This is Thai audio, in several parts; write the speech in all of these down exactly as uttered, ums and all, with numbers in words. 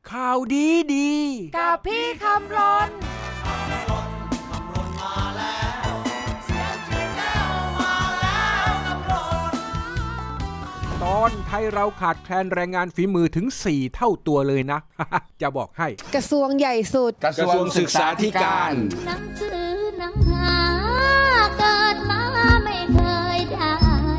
ข่าวดีดีกับพี่คำรนตอนไทยเราขาดแคลนแรงงานฝีมือถึงสี่เท่าตัวเลยนะ จะบอกให้กระทรวงใหญ่สุดกระทรวงศึกษาธิการหนังสือหนังหาเกิดมาไม่เคยได้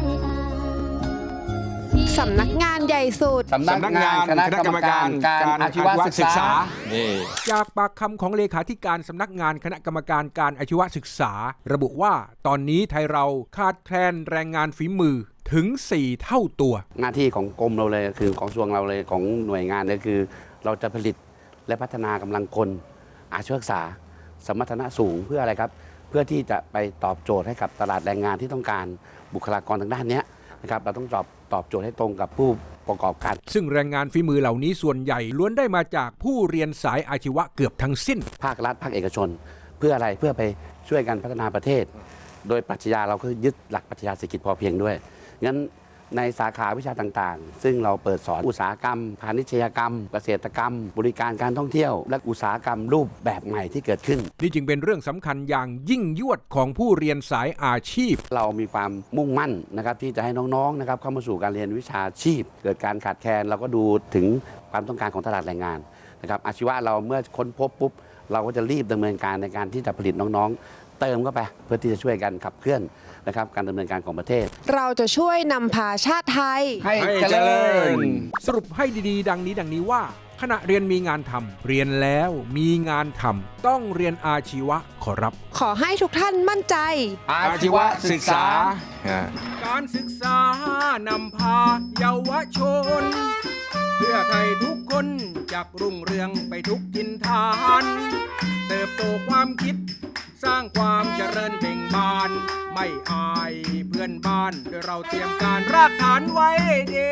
สำนักงานใหญ่สุดสำนักงานคณะกรรมการการอาชีวศึกษาจากปากคำของเลขาธิการสำนักงานคณะกรรมการการอาชีวศึกษาระบุว่าตอนนี้ไทยเราขาดแคลนแรงงานฝีมือถึงสี่เท่าตัวหน้าที่ของกรมเราเลยคือของกระทรวงเราเลยของหน่วยงานเลยคือเราจะผลิตและพัฒนากำลังคนอาชีวศึกษาสมรรถนะสูงเพื่ออะไรครับเพื่อที่จะไปตอบโจทย์ให้กับตลาดแรงงานที่ต้องการบุคลากรทางด้านนี้นะครับเราต้องตอบตอบโจทย์ให้ตรงกับผู้ประกอบการซึ่งแรงงานฝีมือเหล่านี้ส่วนใหญ่ล้วนได้มาจากผู้เรียนสายอาชีวะเกือบทั้งสิ้นภาครัฐภาคเอกชนเพื่ออะไรเพื่อไปช่วยกันพัฒนาประเทศโดยปรัชญาเราก็ยึดหลักปรัชญาเศรษฐกิจพอเพียงด้วยงั้นในสาขาวิชาต่างๆซึ่งเราเปิดสอนอุตสาหกรรมพาณิชยกรรมเกษตรกรรมบริการการท่องเที่ยวและอุตสาหกรรมรูปแบบใหม่ที่เกิดขึ้นนี่จึงเป็นเรื่องสำคัญอย่างยิ่งยวดของผู้เรียนสายอาชีพเรามีความมุ่งมั่นนะครับที่จะให้น้องๆนะครับเข้ามาสู่การเรียนวิชาชีพเกิดการขาดแคลนเราก็ดูถึงความต้องการของตลาดแรงงานนะครับอาชีวะเราเมื่อค้นพบปุ๊บเราก็จะรีบดำเนินการในการที่จะผลิตน้องๆเติมเข้าไปเพื่อที่จะช่วยกันขับเคลื่อนนะครับการดำเนินการของประเทศเราจะช่วยนำพาชาติไทยให้เจริญสรุปให้ดีๆดังนี้ดังนี้ว่าขณะเรียนมีงานทำเรียนแล้วมีงานทำต้องเรียนอาชีวะขอรับขอให้ทุกท่านมั่นใจอาชีวศึกษาการศึกษานำพาเยาวชนเพื่อไทยทุกคนจักรุ่งเรืองไปทุกทินฐานเติบโตความคิดสร้างความเจริญเบ่งบานไม่อายเพื่อนบ้านโดยเราเตรียมการรากฐานไว้ดี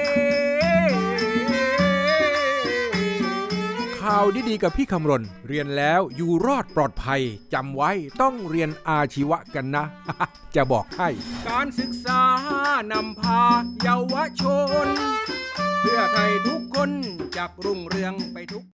ข่าวดีๆกับพี่คำรณเรียนแล้วอยู่รอดปลอดภัยจำไว้ต้องเรียนอาชีวะกันนะ จะบอกให้การศึกษานำพาเยาวชนเพื่อไทยทุกคนจักรุ่งเรืองไปทุก